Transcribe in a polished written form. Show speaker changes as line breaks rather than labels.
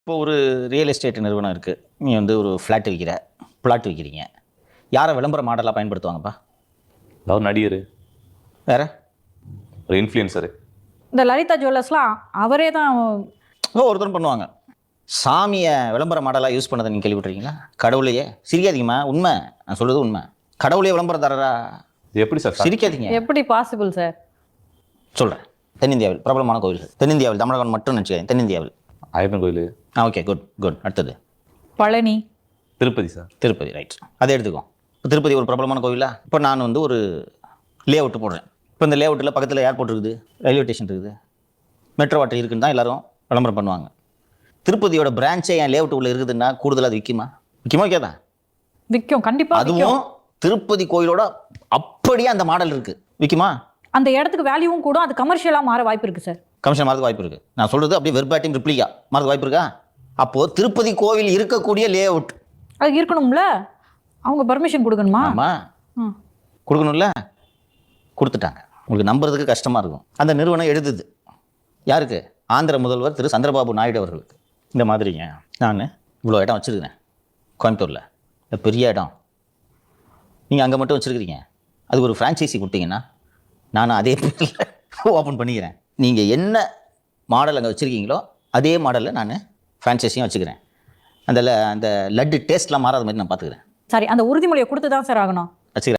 இப்போ ஒரு real estate நிறுவனம் இருக்குது. நீ வந்து ஒரு பிளாட் விற்கிறீங்க. யாரை விளம்பர மாடலாக பயன்படுத்துவாங்கப்பா?
அதாவது நடிகர்,
வேற
ஒரு இன்ஃப்ளூயன்சரு.
இந்த லலிதா ஜுவல்லர்ஸ்லாம் அவரே தான்.
ஒருத்தரும் பண்ணுவாங்க. சாமியை விளம்பர மாடலாக யூஸ் பண்ணதை நீங்கள் கேள்விப்பட்டிருக்கீங்களா? கடவுளையே சிரிக்காதீங்கம்மா, உண்மை, நான் சொல்கிறது உண்மை. கடவுளையே விளம்பரதாரரா
இது எப்படி சார்?
சிரிக்காதீங்க,
எப்படி பாசிபிள் சார்?
சொல்கிறேன். தென்னிந்தியாவில் பிரபலமான கோவில்கள், தென்னிந்தியாவில், தமிழகம் மட்டும் நினச்சிக்கிறேன், தென்னிந்தியாவில்.
ஐயப்பன் கோயில்,
ஓகே, குட். அடுத்தது
பழனி,
திருப்பதி சார்.
திருப்பதி, ரைட். அதை எடுத்துக்கோ. இப்போ திருப்பதி ஒரு பிரபலமான கோவிலா? இப்போ நான் வந்து ஒரு லே அவுட்டு போடுறேன். இப்போ இந்த லே அவுட்டில் பக்கத்தில் ஏர்போர்ட் இருக்குது, ரயில்வே ஸ்டேஷன் இருக்குது, மெட்ரோ வாட்டர் இருக்குன்னு தான் எல்லாரும் விளம்பரம் பண்ணுவாங்க. திருப்பதியோட பிரான்ச்சே என் லே அவுட்டு உள்ள இருக்குதுன்னா கூடுதலாக அது விற்குமா? விற்காதான்?
விற்கும், கண்டிப்பா
அதுவும்
விற்கும்.
திருப்பதி கோயிலோட அப்படியே அந்த மாடல் இருக்குது, விற்குமா?
அந்த இடத்துக்கு வேல்யூவும் கூட அது கமர்ஷியலாக மாற வாய்ப்பு இருக்கு சார்.
கமிஷன் மாறதுக்கு வாய்ப்பு இருக்குது. நான் சொல்கிறது அப்படியே வெர்பாட்டிம் ரிப்ளிகா மாறதுக்கு வாய்ப்பு இருக்கா? அப்போது திருப்பதி கோவில் இருக்கக்கூடிய லே அவுட்
அது இருக்கணும்ல, அவங்க பர்மிஷன் கொடுக்கணுமா?
ஆமாம், கொடுக்கணும்ல. கொடுத்துட்டாங்க. உங்களுக்கு நம்புறதுக்கு கஷ்டமாக இருக்கும். அந்த நிறுவனம் எழுதுது யாருக்கு? ஆந்திர முதல்வர் திரு சந்திரபாபு நாயுடு அவர்களுக்கு. இந்த மாதிரிங்க, நான் இவ்வளோ இடம் வச்சுருக்கிறேன் கோயம்புத்தூரில், பெரிய இடம், நீங்கள் அங்கே மட்டும் வச்சுருக்கிறீங்க, அது ஒரு ஃப்ரான்ச்சைசி கொடுத்தீங்கன்னா நான் அதே பேரில் ஓப்பன் பண்ணிக்கிறேன். நீங்கள் என்ன மாடல் அங்கே வச்சுருக்கீங்களோ அதே மாடலில் நான் ஃப்ரான்ச்சைஸியும் வச்சுக்கிறேன். அந்த லட்டு டேஸ்ட்லாம் மாறாத மாதிரி நான் பார்த்துக்கிறேன்.
சரி, அந்த உறுதிமொழியை கொடுத்து தான் சார் ஆகணும்.
வச்சுக்கிறேன்.